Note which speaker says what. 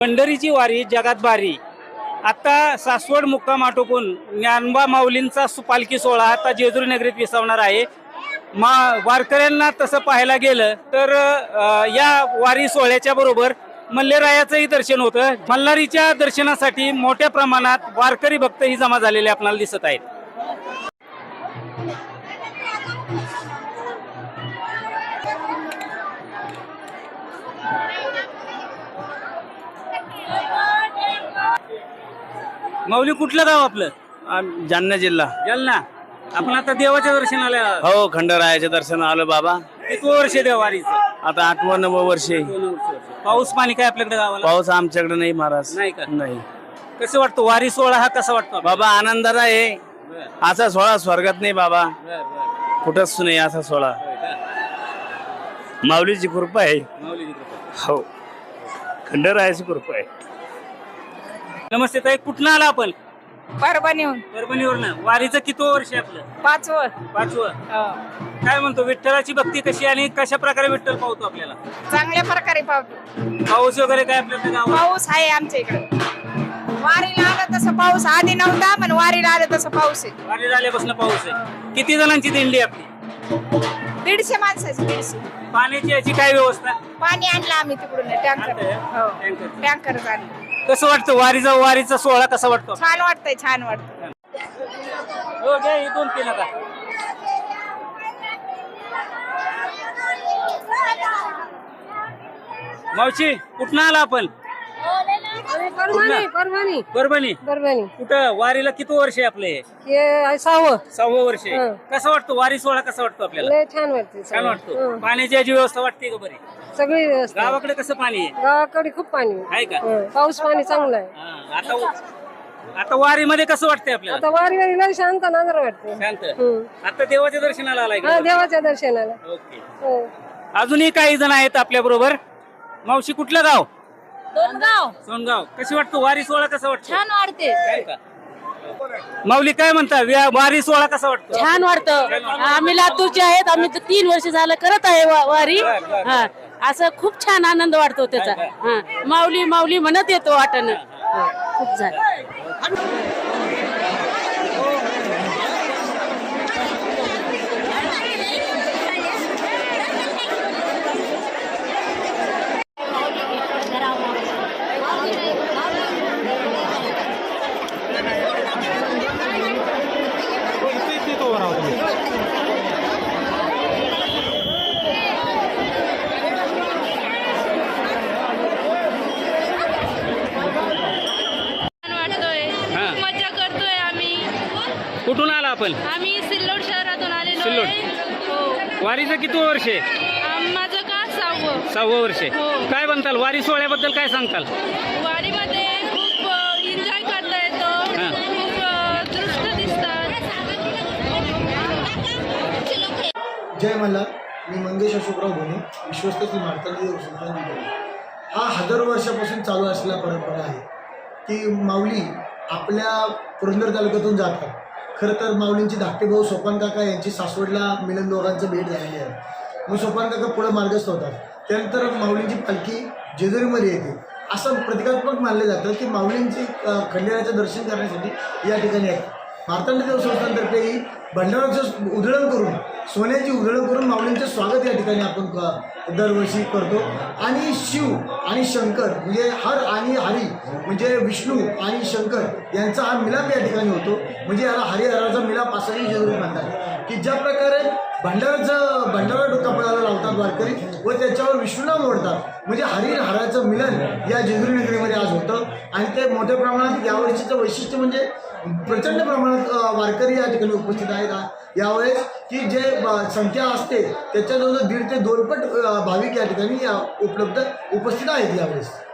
Speaker 1: पंढरीची वारी जगात भारी. आता सासवड मुक्काम आटोपून ज्ञानोबा माऊलींचा पालखी सोहळा आता जेजुरी नगरीत विसावणार आहे. वारकऱ्यांना तसं पाहायला गेलं तर या वारी सोहळ्याच्या बरोबर मल्लेरायाचंही दर्शन होतं. मल्हारीच्या दर्शनासाठी मोठ्या प्रमाणात वारकरी भक्तही जमा झालेले आपल्याला दिसत आहेत. माऊली कुठलं गाव आपलं?
Speaker 2: जालना जिल्हा.
Speaker 1: जालना. आपण आता देवाच्या दर्शनाला आलो.
Speaker 2: हो, खंडरायाच्या दर्शन आलो बाबा.
Speaker 1: किती वर्ष देवारीचं?
Speaker 2: आता 8वं 9वं वर्ष आहे.
Speaker 1: पाऊस पाणी काय आपल्याकडे गावाला?
Speaker 2: पाऊस आमच्याकडे नाही महाराज.
Speaker 1: नाही का?
Speaker 2: नाही.
Speaker 1: कसं वाटतं वारी सोहळा हा कसा वाटतो
Speaker 2: बाबा आनंदाला आहे. असा सोहळा स्वर्गात नाही बाबा, कुठंच नाही असा सोहळा. माऊलीची कृपा आहे. हो, खंडरायाची कृपा आहे.
Speaker 1: नमस्ते ताई, कुठनं आला आपण?
Speaker 3: परभणीहून.
Speaker 1: परभणीवरनं. वारीचं किती वर्ष आहे आपलं?
Speaker 3: 5वं.
Speaker 1: 5वं. काय म्हणतो, विठ्ठलाची भक्ती कशी आणि कशा प्रकारे विठ्ठल पावतो आपल्याला?
Speaker 3: चांगल्या प्रकारे पावतो.
Speaker 1: पाऊस वगैरे काय आपल्याकडे गावात?
Speaker 3: पाऊस आहे आमच्या इकडे. वारीला आलं तसं पाऊस आधी नव्हता, पण वारीला आलं तसं पाऊस आहे.
Speaker 1: वारी झाल्यापासून पाऊस आहे. किती जणांची दिंडी आपली?
Speaker 3: 150 माणसाची. 150.
Speaker 1: पाण्याची याची काय व्यवस्था?
Speaker 3: पाणी आणलं आम्ही तिकडून टँकर. हो, टँकर आणलं.
Speaker 1: कसं वाटतं वारीचा सोहळा कसा वाटतो?
Speaker 3: छान वाटतंय, छान वाटतं.
Speaker 1: हो घ्या, ही 2-3 आता. मावशी कुठनं आला आपण? परभणी. कुठं वारीला किती वर्ष आहे आपले? 6वं वर्ष आहे. कसं वाटतं वारी सोहळा कसा वाटतो आपल्याला?
Speaker 4: छान वाटते.
Speaker 1: छान वाटतो. पाण्याची याची व्यवस्था वाटते का बरी?
Speaker 4: सगळी व्यवस्था.
Speaker 1: गावाकडे कसं पाणी आहे?
Speaker 4: गावाकडे खूप पाणी
Speaker 1: आहे का?
Speaker 4: पाऊस पाणी चांगलं आहे.
Speaker 1: आता वारीमध्ये कसं वाटतंय आपल्याला?
Speaker 4: आता वारीला शांत नांदर वाटते.
Speaker 1: शांत. आता देवाच्या दर्शनाला आलाय
Speaker 4: हा,
Speaker 1: का?
Speaker 4: देवाच्या दर्शनाला.
Speaker 1: ओके. अजूनही काही जण आहेत आपल्या बरोबर. मावशी कुठलं गाव? सोनगाव. कशी वाटतो वारी सोहळा कसा वाटतो?
Speaker 3: छान वाटते.
Speaker 1: काय का? माऊली काय म्हणता, वारी सोहळा कसा वाटतो?
Speaker 5: छान वाटतं. आम्ही लातूरचे आहेत. आम्ही 3 वर्ष झालं करत आहे वारी. हा, असं खूप छान आनंद वाटतो त्याचा. हा, माऊली माऊली म्हणत येतो वाटणं. खूप झालं.
Speaker 6: मजा करतोय आम्ही.
Speaker 1: कुठून आला आपण?
Speaker 6: आम्ही सिल्लोड शहरातून आलेलो
Speaker 1: सिल्लोड.
Speaker 6: आहे. हो.
Speaker 1: वारीचं किती वर्ष आहे?
Speaker 6: माझं का
Speaker 1: 6वं वर्ष आहे.
Speaker 6: हो.
Speaker 1: काय म्हणताल वारी सोहळ्याबद्दल काय सांगताल?
Speaker 6: वारीमध्ये खूप एन्जॉय करता येतो. खूप दृष्ट दिसतात.
Speaker 7: जय मल्हार. मी मंगेश अशोकराव भोणे, विश्वस्त श्री मार्तंड देव संस्थान निगडी. हा हजारो वर्षापासून चालू असलेला परंपरा आहे की माऊली आपल्या पुरंदर तालुक्यातून जातात. खरं तर माऊलींची धाकटे भाऊ सोपान काका यांची सासवडला मिलन दोघांचं भेट झालेली आहे. मग सोपान काका पुढे मार्गस्थ होतात. त्यानंतर माऊलींची पालखी जेजुरीमध्ये येते. असं प्रतिकात्मक मानलं जातं की माऊलींची खंडेराचं दर्शन करण्यासाठी या ठिकाणी आहेत. मार्तंड देव संस्थानतर्फेही भंडाराचं उधळण करून, सोन्याची उधळण करून माऊलींचं स्वागत या ठिकाणी आपण दरवर्षी करतो. आणि शिव आणि शंकर म्हणजे हर आणि हरी म्हणजे विष्णू आणि शंकर यांचा हा मिलाप या ठिकाणी होतो. म्हणजे याला हरिहराचा मिलाप असंही जरूर म्हणतात की ज्या प्रकारे भंडारा डोकापणाला लावतात वारकरी व त्याच्यावर विष्णुनाम ओढतात, म्हणजे हरिहराचं मिलन या जेजुरी नगरीमध्ये आज होतं. आणि ते मोठ्या प्रमाणात यावर्षीचं वैशिष्ट्य म्हणजे प्रचंड प्रमाणात वारकरी या ठिकाणी उपस्थित आहेत यावेळेस, की जे संख्या असते त्याच्या जवळ 1.5 ते 2 पट भाविक या ठिकाणी उपस्थित आहेत यावेळेस.